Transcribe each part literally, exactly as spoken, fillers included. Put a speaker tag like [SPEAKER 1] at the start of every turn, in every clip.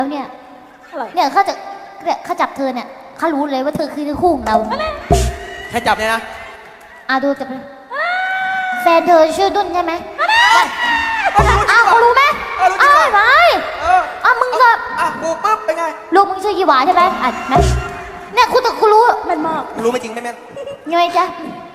[SPEAKER 1] แล้วเนี่ยเนี่ยเขาจะเนี่ยเขาจับเธอเนี่ยเขารู้เลยว่าเธอคือคู่ของเรา
[SPEAKER 2] แค่จับเนี่ยนะ
[SPEAKER 1] อ่ะดูจับเลยแฟนเธอชื่อดุนใช่ไหมอ้าวเขารู้ไหมอ้าวไม่อ้าวมึงก็
[SPEAKER 2] อ่ะกูปุ๊บเป็นไง
[SPEAKER 1] ลูกมึงชื่อยี่หวาใช่ไหมอ่ะไหมเนี่ยคุณแต่คุณรู้มันมาก
[SPEAKER 2] รู้ไม่จริงไม่แม่น
[SPEAKER 1] ยังไงจ๊ะ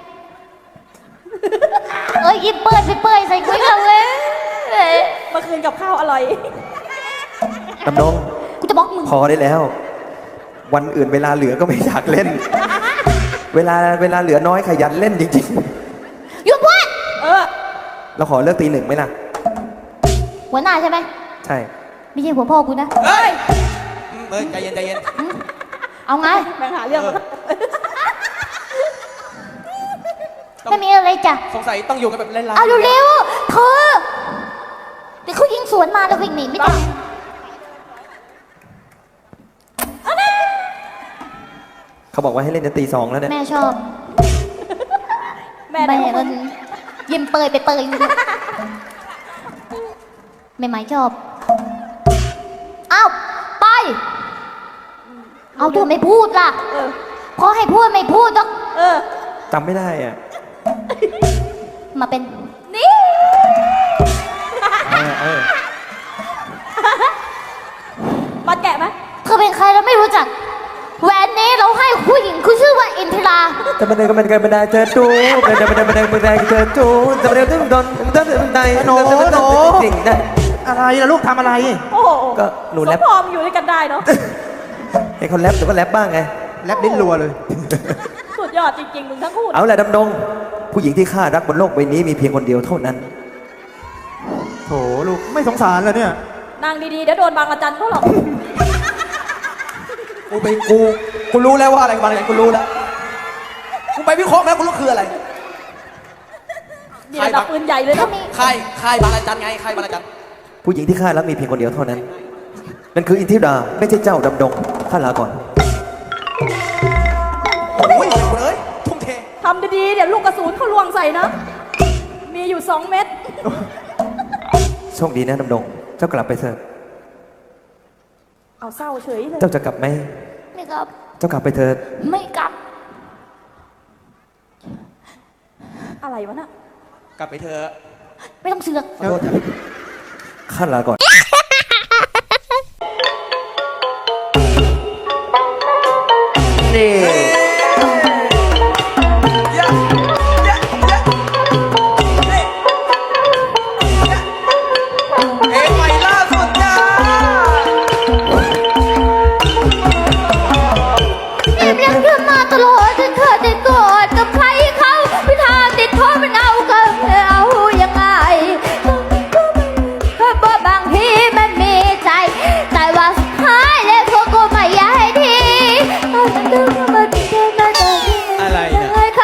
[SPEAKER 1] เอ้ยยิ้มเปิดไปเปิดใส่กุ้ยเราเลย
[SPEAKER 3] เมื่อคืนกับข้าวอร่อย
[SPEAKER 4] ตำนง
[SPEAKER 1] กูจะบอกมึง
[SPEAKER 4] พอได้แล้ววันอื่นเวลาเหลือก็ไม่อยากเล่นเวลาเวลาเหลือน้อยขยันเล่นจริง
[SPEAKER 1] ๆหยุดพูด
[SPEAKER 3] เออ
[SPEAKER 4] เราขอเลิกตีหนึ่งไหมล่ะ
[SPEAKER 1] หัวหน้าใช่ไหม
[SPEAKER 4] ใช่
[SPEAKER 1] ไม่ใช่หัวพ่อกูนะ
[SPEAKER 2] เฮ้ยเฮ้ยใจเย็นใจเย็น
[SPEAKER 1] เอาไง
[SPEAKER 3] แบ่งหาเรื่อง
[SPEAKER 1] ไม่มีอะไรจ้ะ
[SPEAKER 2] สงสัยต้องอยู่กันแบบเล่นๆ
[SPEAKER 1] เอาเร็วๆเธอเดี๋ยวเขายิงสวนมาแล้ววิ่งหนีไม่ได้
[SPEAKER 4] เขาบอกว่าให้เล่นจนตีสองแล้วเนี่ย
[SPEAKER 1] แม่ชอบ
[SPEAKER 3] แม่
[SPEAKER 1] มันยิ้มเปยไปเปยไม่หมายชอบอ้าวไปเอาเธอไม่พูดล่ะพอให้พูดไม่พูดต้อง
[SPEAKER 4] จำไม่ได้อ่ะ
[SPEAKER 1] มาเป็นนี่
[SPEAKER 3] มาแกะไหม
[SPEAKER 1] เธอเป็นใครเราไม่รู้จักแหวนนี้เราให้ผู้หญิงคือชื่อว่าอินทิรา
[SPEAKER 4] จะมาเดินก็มันกันบันไดเจอจูบันไดบันไดบันไดบันไดเจอจูจะมาเดินตึ้งโดนตึ้งบันได
[SPEAKER 5] โน้โน้
[SPEAKER 4] สิ่งได้
[SPEAKER 5] อะไรล่ะลูกทำอะไร
[SPEAKER 3] โอ้โห
[SPEAKER 4] ก็หนูแรป
[SPEAKER 3] พอมอยู่ด้วยกันได้เนาะ
[SPEAKER 4] ให้คนแรปหรือว่าแรปบ้างไง
[SPEAKER 5] แรปดิ้นรัวเลย
[SPEAKER 3] สุดยอดจริงๆมึงทั้งคู่
[SPEAKER 4] เอาแหละดำดงผู้หญิงที่ข้ารักบนโลกใบนี้มีเพียงคนเดียวเท่านั้น
[SPEAKER 5] โถลูกไม่สงสารเลยเนี่ย
[SPEAKER 3] นางดีๆเดี๋ยวโดนบางอาจารย์เขาหรอก
[SPEAKER 2] กูไปกูกูรู้แล้วว่าอะไรบางอย่างกูรู้แล้วกูไปวิเคราะห์แล้วกูรู้คืออะไร
[SPEAKER 3] นี่ระดับปืนใหญ่เลยนะ
[SPEAKER 2] ค่ายค่ายบางอาจารย์ไงค่ายบางอาจารย์
[SPEAKER 4] ผู้หญิงที่ข้ารักมีเพียงคนเดียวเท่านั้นนั่นคืออินทิราไม่ใช่เจ้าดำดงข้าลาก่อน
[SPEAKER 2] โอ้ยเอ้ยทุ่มเท
[SPEAKER 3] ทำดีๆเดี๋ยวลูกกระสุนเขาลวงใส่นะมีอยู่สองเม็ด
[SPEAKER 4] โชคดีนะดำดงเจ้ากลับไปเถอะ
[SPEAKER 3] เอาเศร้าเฉยเลย
[SPEAKER 4] เจ้าจะกลับไหม
[SPEAKER 1] ไม่กลับ
[SPEAKER 4] เจ้ากลับไปเถอะ
[SPEAKER 1] ไม่กลับ
[SPEAKER 3] อะไรวะน่ะ
[SPEAKER 2] กลับไปเถอะ
[SPEAKER 1] ไม่ต้องเสือก
[SPEAKER 4] ขอโทษข้าลาก่อนนี่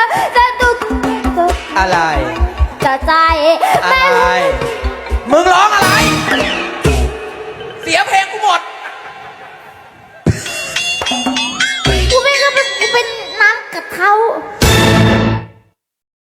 [SPEAKER 2] อะไร
[SPEAKER 1] จะใจ
[SPEAKER 2] อะไรมึงร้อง